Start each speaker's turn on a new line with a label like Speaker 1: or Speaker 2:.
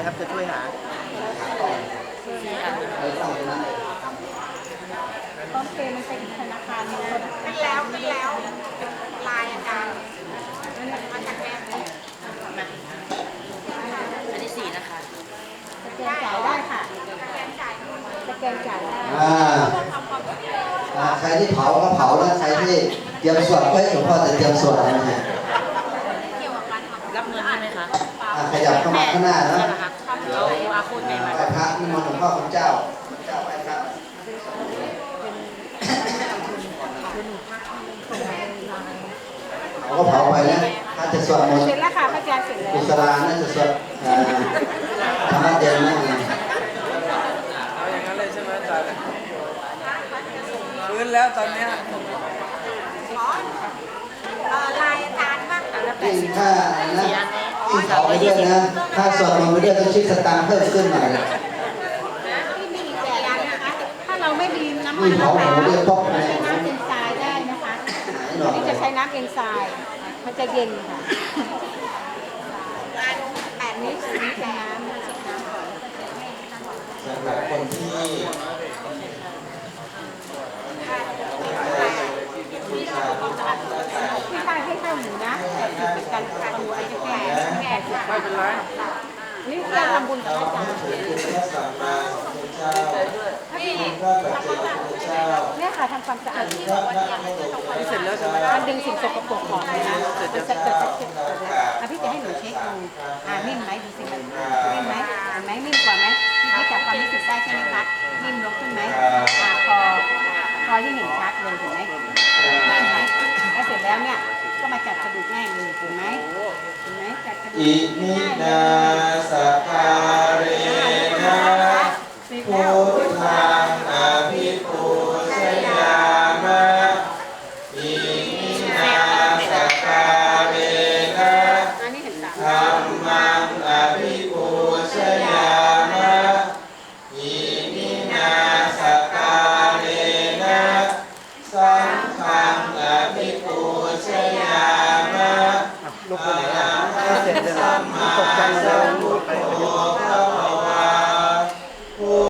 Speaker 1: ครับจะช่วยหา
Speaker 2: ต้นเพมันเป็นธนาคารมีคน
Speaker 3: ขึ้นแล้วลายอาจารย์มาจากแม่
Speaker 4: อันนี้4นะคะ
Speaker 2: สแกนจ่ายได้ค่ะ
Speaker 3: สแกนจ่าย
Speaker 2: สแกนจ่ายได้
Speaker 5: ใครที่เผาก็เผาแล้วใครที่เตรียมสวดก็ให้หลวงพ่อจะเตรียมสวดนะฮะ
Speaker 3: เกี่ยวกับการทำ
Speaker 4: รับเงินใช่ไหมคะ
Speaker 5: ขยับเข้ามาข้างหน้านะ
Speaker 4: ใช่ไหมคะเอาอาคุณไหนมา
Speaker 5: ไหว้พระนิมนต์หลวงพ่อของเจ้าไหว้พระ เขาก็เผาไปนะถ้าจะสวดมนต์
Speaker 2: เสร็จแล้วค่ะพระอาจารย์เสร็จแล้ว
Speaker 5: กุศลาน่าจะสวดธรรมะเย็นนั่นเอง
Speaker 1: เอาอย่างนั้นเลยใช่ไหมอาจารย์ฟื้นแล้วตอนเนี้ย
Speaker 3: ลายอาจารย์บ้าง
Speaker 5: ยิ่งถ้านะยิ่งเผาไปด้วยนะถ้าสวดมนต์ไปด้วยต้องคิดสตางค์เพิ่มขึ้นหน่อย
Speaker 2: ที่มีแจกนะคะถ้าเราไม่มีน้ำมั
Speaker 5: ยิ่
Speaker 2: น
Speaker 5: งเผาหมูเรียกป๊อก
Speaker 2: ใช้
Speaker 5: เลย
Speaker 2: น้ำเอนไซม์ได้นะคะ
Speaker 5: หน่อย
Speaker 2: นี่จะใช้น้ำเอนไซม์มันจะเย็นค่ะ
Speaker 3: 8
Speaker 2: นี่
Speaker 3: นิ้ว
Speaker 2: คือนี่เป็นน้ำเช็ดน้ำก่อน
Speaker 5: สำหรับคนที่
Speaker 2: ที่ใต้ให้ข้าวหมูนะแต่คือเป็นการทำอาจจะแก่สุด
Speaker 1: ไม่เป็นไร
Speaker 2: นี่การทำบุญกับอาจารย์
Speaker 5: พระสัมมาสัมพุทธเจ้า
Speaker 3: นี่
Speaker 5: พระปัจเจกพุทธเจ้า
Speaker 2: เนี่ยค่ะทำความสะอาด
Speaker 5: พระนักโลก
Speaker 1: นี่เสร็จแล้วใช่ไหม
Speaker 2: มันดึงสิ่งสกปรกออกเลยนะมันจะเกิดเช็คพี่จะให้หนูเช็คดูนิ่มไหมดูสิมันนิ่มไหมเห็นไหมนิ่มกว่าไหมพี่จับความรู้สึกได้ใช่ไหมคะนิ่มลงขึ้นไหมคอที่เห็นชัดเลยเห็นไหมนิ่มไหมแล้วเสร็จแล้วเนี่ยก็มาจัดกระดูกง่ายเลยเห็นไหมเห็นไหมจัดกระดูก
Speaker 5: อิมิ
Speaker 2: ง่ายเล
Speaker 5: นาย สกา